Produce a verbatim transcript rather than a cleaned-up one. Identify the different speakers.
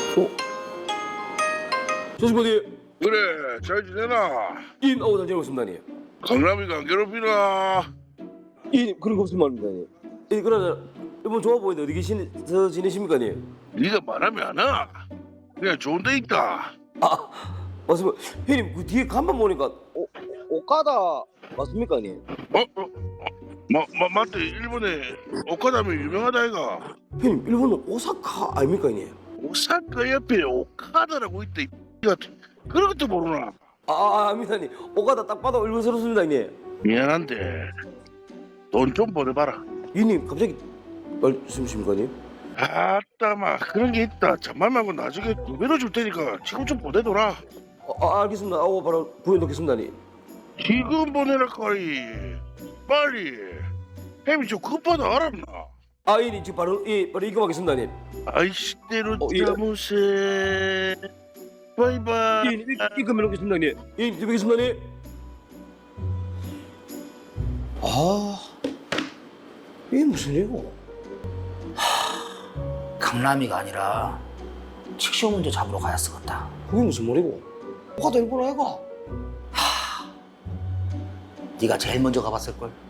Speaker 1: 어? 조심하디.
Speaker 2: 그래, 잘 지내나?
Speaker 1: 인 아우 잘 지내고 있습니다니.
Speaker 2: 강남이가 안 괴롭히나?
Speaker 1: 인 그런 거 없으면 말입니다니. 이 그러나 이번 좋아 보이는데 어디 계시서 지내십니까니?
Speaker 2: 네가 말하면 안 와. 그냥 좋은 데 있다.
Speaker 1: 아 맞습니다. 형님 그 뒤에 간만 보니까 오, 오카다 맞습니까니?
Speaker 2: 어? 어? 마, 마, 맞대. 일본에 오카다면 유명하다 이가.
Speaker 1: 형님 일본은 오사카 아닙니까니?
Speaker 2: 오사카 옆에 오카다라고 있다. 이 같은. 그런 것도 모르나?
Speaker 1: 아, 아 아닙니다니. 오카다 딱 봐도 일본스럽습니다 형님.
Speaker 2: 미안한데 돈 좀 보내봐라.
Speaker 1: 형님 갑자기 말씀이십니까니?
Speaker 2: 아따마 그런 게 있다. 잔말 말고 나중에 두 배로 줄 테니까 지금 좀 보내둬라.
Speaker 1: 아, 아 알겠습니다. 아우 바로 구해놓겠습니다니.
Speaker 2: 지금 보내라 까이. 빨리. 햄이 좀 급하다 알았나?
Speaker 1: 아 형님 지금 바로 예 바로 입금하겠습니다 형님.
Speaker 2: 아이씨 때로
Speaker 1: 어, 예.
Speaker 2: 자무새 바이바이.
Speaker 1: 예, 형님 입금해 놓겠습니다 형님. 예 형님 드리겠습니다 형님. 아 이게 무슨 일이고?
Speaker 3: 강남이가 아니라 칙쇼 먼저 잡으러 가야 쓰겠다.
Speaker 1: 그게 무슨 말이고? 오카다 일본 아이가?
Speaker 3: 네가 제일 먼저 가봤을걸?